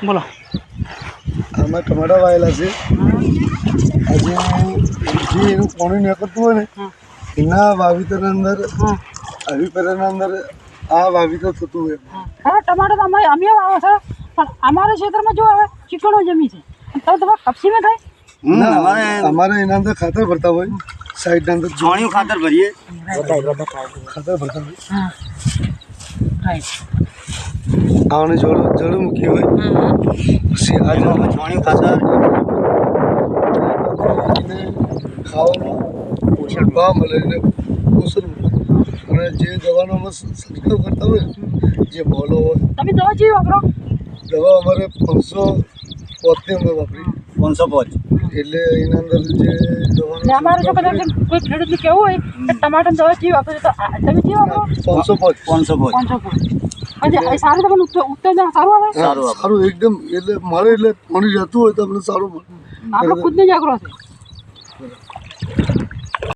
बोलो आम टमाटा वायला से आज जे पानी निकलतु है इना वावितर अंदर अभी पेरना अंदर आ वावितर थतु है। हाँ टमाटर तो अमी वावे सर पर हमारे क्षेत्र में जो है चिकन जमी से तब तो कपसी में था ना हमारे इन अंदर खातर भरता हुआ साइड अंदर छाणी खातर भरिए खातर भरता हुआ हाँ राइट आवने जड़ मुखी हुई सी आज छाणी खातर खाओ पोषण बा મળે ને પોષણ અને જે દવાનો અમે છંટકાવ કરતા હોય જે બોલો હોય તમે દવા જેવી વાપરો દવા અમારે 500 में वापरी 505 એટલે એના અંદર જે દવાનો ને અમારે જો કદાચ કોઈ ખેડૂતને કેવું હોય કે ટમાટર દવા જેવી વાપરે તો તમે જેવી વાપરો 505 અને સારું તમને ઉત્તર સારું આવે સારું એકદમ એટલે મારે એટલે પાણી જતું હોય તો અમને સારું મળે આપણે ખુદને જાગરો છે